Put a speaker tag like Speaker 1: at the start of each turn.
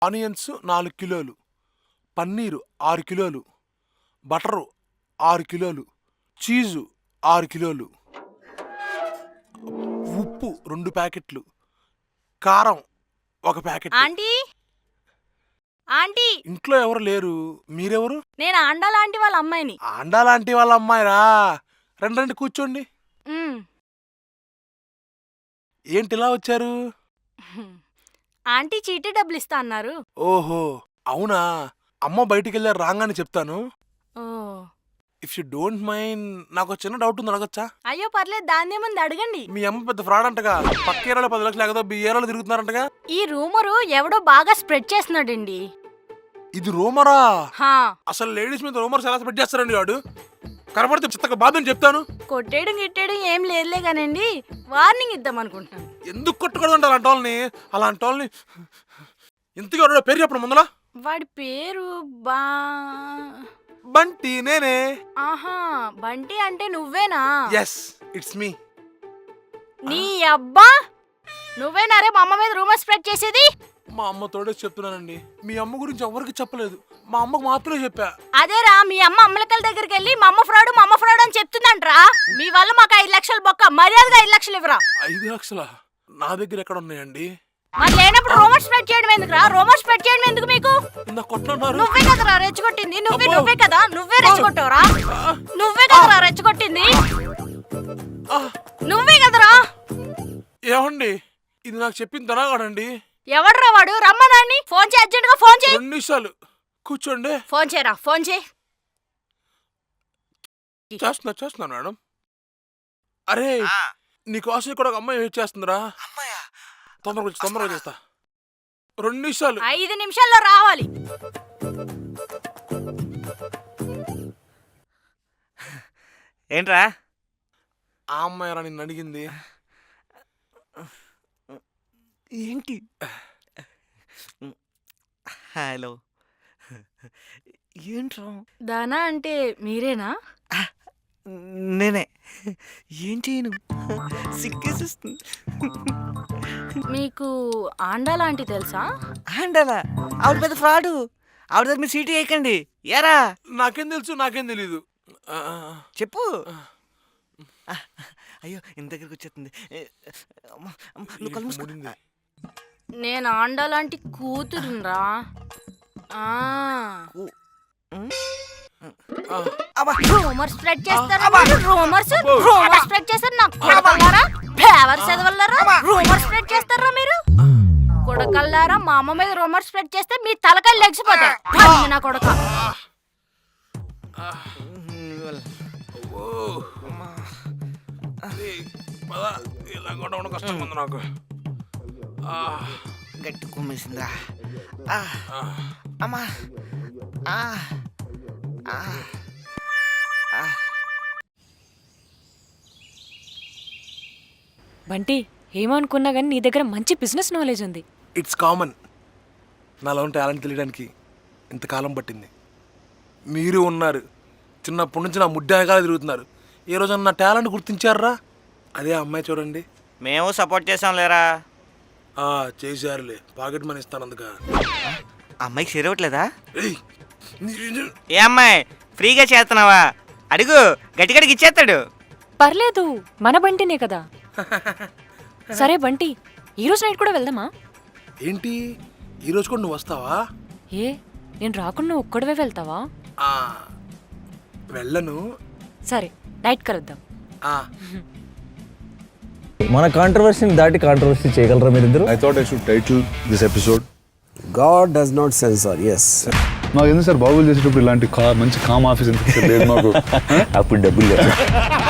Speaker 1: Onions 4 కిలోలు, పన్నీరు 6 కిలోలు, butter 6 కిలోలు, చీజు 6 కిలోలు, ఉప్పు 2 ప్యాకెట్లు, కారం 1 ప్యాకెట్.
Speaker 2: ఆంటీ ఆంటీ
Speaker 1: ఇంట్లో ఎవరు లేరు, మీరెవరు?
Speaker 2: నేను ఆండా లాంటి వాళ్ళ అమ్మాయిని.
Speaker 1: ఆండా లాంటి వాళ్ళ అమ్మాయిరా? రండి కూర్చోండి. ఏంటి ఇలా వచ్చారు?
Speaker 2: ఆంటీ చీటీ డబ్బులు ఇస్తా అన్నారు.
Speaker 1: ఓహో అవునా? అమ్మ బయటికి వెళ్ళారు, రాగానే చెప్తాను.
Speaker 2: ఓ
Speaker 1: ఇఫ్ యూ డోంట్ మైండ్, నాకు చిన్న డౌట్ ఉంది, అడగచ్చా?
Speaker 2: అయ్యో పర్లేదు, దాన్నే ముందు అడగండి.
Speaker 1: మీ అమ్మ పెద్ద ఫ్రాడ్ అంటగా, పక్క ఏరాలో 10 లక్షలు ఎగదో ఏరాలో తిరుగుతున్నారంటగా.
Speaker 2: ఈ రూమరు ఎవడో బాగా స్ప్రెడ్ చేస్తున్నాడండి.
Speaker 1: ఇది రూమరా?
Speaker 2: హా,
Speaker 1: అసలు లేడీస్ మీద రూమర్స్ ఎలా స్ప్రెడ్ చేస్తారండి వాడు? కనపడితే చిత్తక బాధని చెప్తాను.
Speaker 2: కొట్టేయడం గిట్టేయడం ఏం లేదులే కానండి, వార్నింగ్ ఇద్దాం అనుకుంటున్నాను.
Speaker 1: ఎందుకు కొట్టుకోవడం అలాంటి వాళ్ళని ఇంతగా వాడు పేరు చెప్పడం ముందలా.
Speaker 2: వాడి పేరు
Speaker 1: బంటి, నేనే.
Speaker 2: ఆహా, బంటి అంటే నువ్వేనా?
Speaker 1: Yes, it's me.
Speaker 2: నీ అబ్బా, నువ్వేనారే మా అమ్మ మీద రూమర్ స్ప్రెడ్ చేసేది?
Speaker 1: మా అమ్మ తోడే చెప్తున్నానండి, మీ అమ్మ గురించి ఎవరికి చెప్పలేదు, మా అమ్మకు మాత్రమే చెప్పా.
Speaker 2: అదేరా, మీ అమ్మ అమ్మలకల దగ్గరికి వెళ్ళి మా అమ్మ ఫ్రాడ్ అని చెప్తుందంట్రా. మీ వల్ల మాకు 5 లక్షలు బొక్క, మర్యాదగా 5 లక్షలు ఇవ్వరా.
Speaker 1: 5 లక్షలా? నా దగ్గర ఎక్కడ ఉన్నాయండి?
Speaker 2: మరి లేనప్పుడు రూమర్ స్ప్రెడ్ చేయడం ఎందుకురా? రూమర్ స్ప్రెడ్ చేయడం ఎందుకు మీకు? నువ్వే కదరా రెచ్చగొట్టింది, నువ్వే కదా, నువ్వే రెచ్చగొట్టావురా. నువ్వే కదరా రెచ్చగొట్టింది, నువ్వే కదరా.
Speaker 1: ఏమండి, ఇది నాకు చెప్పింది తనగాడండి.
Speaker 2: ఎవడ్రా వాడు? రమ్మనాన్ని. ఫోన్ చేయి, అర్జెంట్ గా ఫోన్ చేయి.
Speaker 1: 2 నిమిషాలు కూర్చోండి.
Speaker 2: ఫోన్ చేయరా, ఫోన్ చేయి.
Speaker 1: చేస్తున్నా మేడం. అరే, నీకోసం కూడా ఒక అమ్మాయి వెయిట్ చేస్తుందిరా. తొందరగా చేస్తా. 2 నిమిషాలు.
Speaker 2: 5 నిమిషాల్లో రావాలి.
Speaker 3: ఏంట్రా?
Speaker 1: ఆ అమ్మాయి రా నిన్ను అడిగింది.
Speaker 3: ఏంటి? హలో, ఏంట్రా?
Speaker 2: దానా అంటే మీరేనా?
Speaker 3: నేనే. ఏం చేయను, సిగ్గేసేస్తుంది.
Speaker 2: మీకు ఆండా లాంటి తెలుసా?
Speaker 3: ఆండాలా? ఆవిడ పెద్ద ఫ్రాడు. ఆవిడ దగ్గర మీరు సీటీ వేయకండి. ఏరా?
Speaker 1: నాకేం తెలుసు, నాకేం తెలీదు.
Speaker 3: చెప్పు. అయ్యో, ఇంత దగ్గరకు వచ్చేస్తుంది. నువ్వు కళ్ళు మూసుకో.
Speaker 2: నేను ఆండా లాంటి కూతురురా. రూమర్ స్ప్రెడ్ చేస్తారు, రూమర్ స్ప్రెడ్ చేస్తారు. నాకు కొడకల్లారా, ఫేవర్ చదవల్లారా, రూమర్ స్ప్రెడ్ చేస్తారా మీరు? కొడకల్లారా, మా అమ్మ మీద రూమర్ స్ప్రెడ్ చేస్తే మీ తలకాయలు లెగిసిపోతాయి. నా కొడక.
Speaker 1: కష్టంగా ఉంది నాకు.
Speaker 3: గట్టి కుమ్మేసిందా? అమ్మా,
Speaker 4: బంటి, ఏమనుకున్నా కానీ నీ దగ్గర మంచి బిజినెస్ నాలెడ్జ్ ఉంది.
Speaker 1: It's common. నాలో టాలెంట్ తెలియడానికి ఇంతకాలం పట్టింది. మీరు ఉన్నారు, చిన్నప్పటి నుంచి నా ముడ్డాగా తిరుగుతున్నారు. ఏ రోజు నా టాలెంట్ గుర్తించారా? అదే అమ్మాయి చూడండి.
Speaker 3: మేము సపోర్ట్ చేసాం లేరా?
Speaker 1: చేశారులే, పాకెట్ మనీ ఇస్తాను అందుక.
Speaker 3: అమ్మాయికి చేరవట్లేదా? ఏ అమ్మాయి, ఫ్రీగా చేస్తున్నావా? అడుగు, గట్టిగడికి ఇచ్చేస్తాడు.
Speaker 4: పర్లేదు, మన బంటినే కదా. సరే బంటి, ఈరోజు నైట్ కూడా వెళ్దామా?
Speaker 1: ఏంటి, ఈరోజు కూడా నువ్వు వస్తావా?
Speaker 4: ఏ, నేను రాకుండా ఒక్కడవే వెళ్తావా?
Speaker 1: వెళ్ళను.
Speaker 4: సరే, నైట్ కలుద్దాం.
Speaker 5: మన కాంట్రవర్సీని దాటి కాంట్రవర్సీ చేయగలరా మీరిద్దరు?
Speaker 6: I thought I should title this episode
Speaker 5: God does not censor. Yes.
Speaker 6: నాకు ఎందుకు సార్ బాగులు చేసేటప్పుడు ఇలాంటి మంచి కామ్ ఆఫీస్ ఎందుకు లేదు మాకు?
Speaker 5: అప్పుడు డబ్బులు లేదు.